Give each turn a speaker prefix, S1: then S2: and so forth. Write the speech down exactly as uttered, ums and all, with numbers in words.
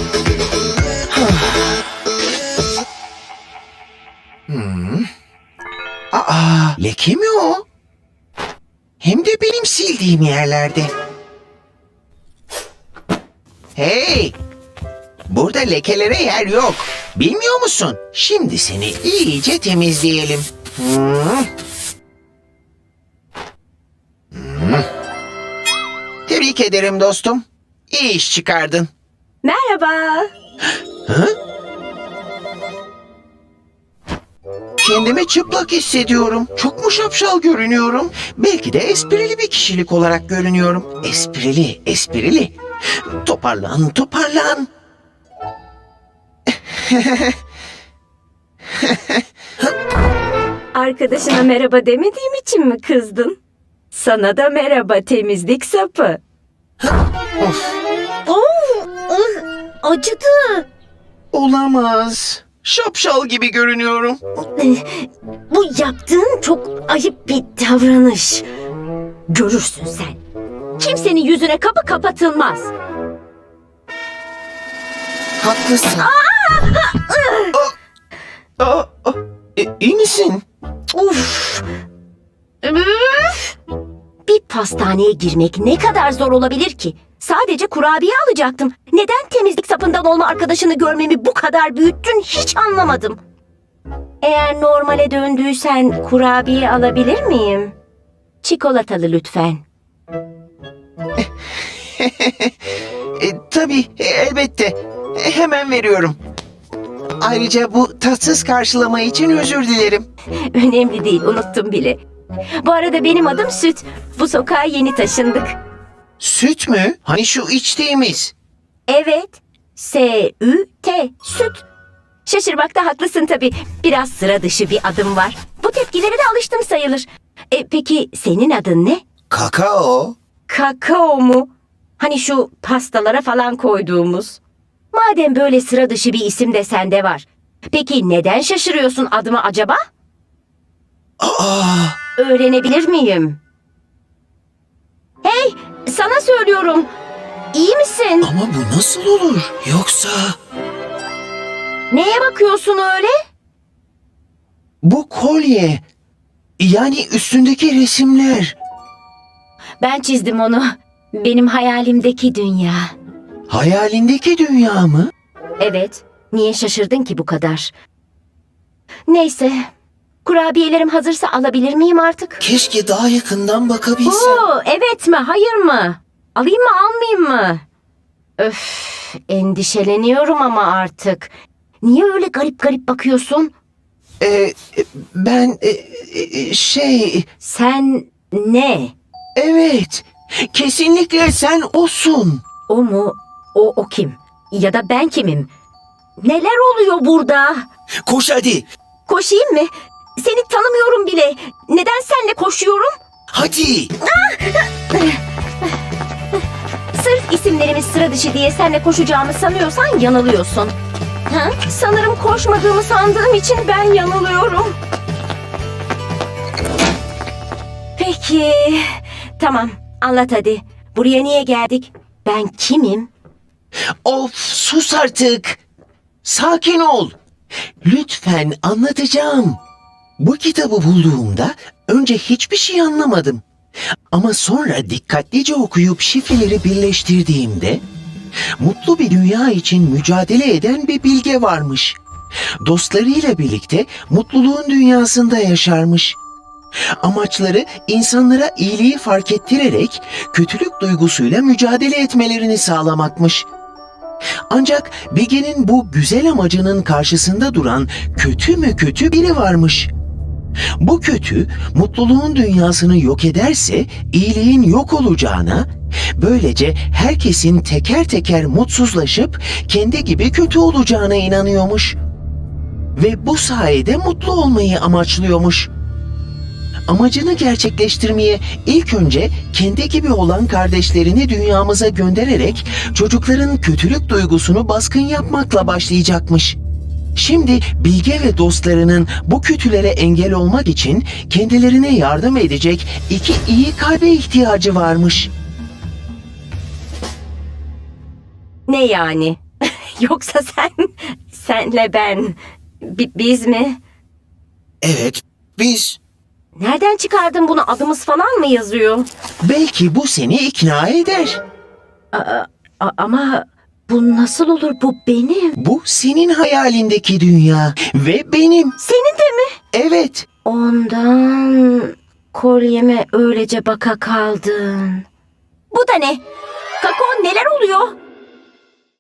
S1: Hmm. Aa, leke mi o? Hem de benim sildiğim yerlerde. Hey! Burada lekelere yer yok. Bilmiyor musun? Şimdi seni iyice temizleyelim. Hmm. Hmm. Tebrik ederim dostum. İyi iş çıkardın.
S2: Merhaba.
S1: Hı? Kendimi çıplak hissediyorum. Çok mu şapşal görünüyorum? Belki de esprili bir kişilik olarak görünüyorum. Esprili, esprili. Toparlan, toparlan.
S2: Arkadaşına merhaba demediğim için mi kızdın? Sana da merhaba temizlik sapı.
S1: Of,
S2: Oo, ıh, acıdı.
S1: olamaz. Şapşal gibi görünüyorum.
S2: Bu yaptığın çok ayıp bir davranış. Görürsün sen. Kimsenin yüzüne kapı kapatılmaz.
S1: Haklısın. Aa, aa, aa, e, iyi misin?
S2: Uf. Üf. Bir pastaneye girmek ne kadar zor olabilir ki? Sadece kurabiye alacaktım. Neden temizlik sapından olma arkadaşını görmemi bu kadar büyüttün hiç anlamadım. Eğer normale döndüysen kurabiye alabilir miyim? Çikolatalı lütfen.
S1: E, tabii, e, elbette. E, hemen veriyorum. Ayrıca bu tatsız karşılama için özür dilerim.
S2: Önemli değil, unuttum bile. Bu arada benim adım Süt. Bu sokağa yeni taşındık.
S1: Süt mü? Hani şu içtiğimiz.
S2: Evet. S Ü T. Süt. Şaşırmakta haklısın tabii. Biraz sıra dışı bir adım var. Bu tepkilere de alıştım sayılır. E, peki senin adın ne?
S1: Kakao.
S2: Kakao mu? Hani şu pastalara falan koyduğumuz. Madem böyle sıra dışı bir isim de sende var. Peki neden şaşırıyorsun adıma acaba?
S1: Aa,
S2: Öğrenebilir miyim? Hey, sana söylüyorum. İyi misin?
S1: ama bu nasıl olur? Yoksa...
S2: Neye bakıyorsun öyle?
S1: Bu kolye. Yani üstündeki resimler.
S2: Ben çizdim onu. Benim hayalimdeki dünya.
S1: Hayalindeki dünya mı?
S2: Evet, niye şaşırdın ki bu kadar? Neyse, kurabiyelerim hazırsa alabilir miyim artık?
S1: Keşke daha yakından bakabilsem.
S2: Oo, evet mi, hayır mı? Alayım mı, almayayım mı? Öf, endişeleniyorum ama artık. Niye öyle garip garip bakıyorsun?
S1: Ee, ben e, e, şey...
S2: Sen ne?
S1: Evet. Kesinlikle sen osun.
S2: O mu? O o kim? Ya da ben kimim? Neler oluyor burada?
S1: Koş hadi.
S2: Koşayım mı? Seni tanımıyorum bile. Neden seninle koşuyorum?
S1: Hadi.
S2: Sırf isimlerimiz sıra dışı diye seninle koşacağımı sanıyorsan yanılıyorsun. Ha? Sanırım koşmadığımı sandığım için ben yanılıyorum. Peki. Tamam, anlat hadi. Buraya niye geldik? Ben kimim?
S1: Of, sus artık. Sakin ol. Lütfen, anlatacağım. Bu kitabı bulduğumda önce hiçbir şey anlamadım. Ama sonra dikkatlice okuyup şifreleri birleştirdiğimde mutlu bir dünya için mücadele eden bir bilge varmış. Dostlarıyla birlikte mutluluğun dünyasında yaşarmış. Amaçları insanlara iyiliği fark ettirerek kötülük duygusuyla mücadele etmelerini sağlamakmış. Ancak Bilge'nin bu güzel amacının karşısında duran kötü mü kötü biri varmış. Bu kötü, mutluluğun dünyasını yok ederse iyiliğin yok olacağına, böylece herkesin teker teker mutsuzlaşıp kendi gibi kötü olacağına inanıyormuş. Ve bu sayede mutlu olmayı amaçlıyormuş. Amacını gerçekleştirmeye ilk önce kendi gibi olan kardeşlerini dünyamıza göndererek çocukların kötülük duygusunu baskın yapmakla başlayacakmış. Şimdi Bilge ve dostlarının bu kötülere engel olmak için kendilerine yardım edecek iki iyi kalbe ihtiyacı varmış.
S2: Ne yani? Yoksa sen, senle ben, bi- biz mi?
S1: Evet, biz.
S2: Nereden çıkardın bunu? Adımız falan mı yazıyor?
S1: Belki bu seni ikna eder.
S2: A- ama bu nasıl olur? Bu benim.
S1: Bu senin hayalindeki dünya ve benim.
S2: Senin de mi?
S1: Evet.
S2: Ondan kolyeme öylece baka kaldın. Bu da ne? Kakao, neler oluyor?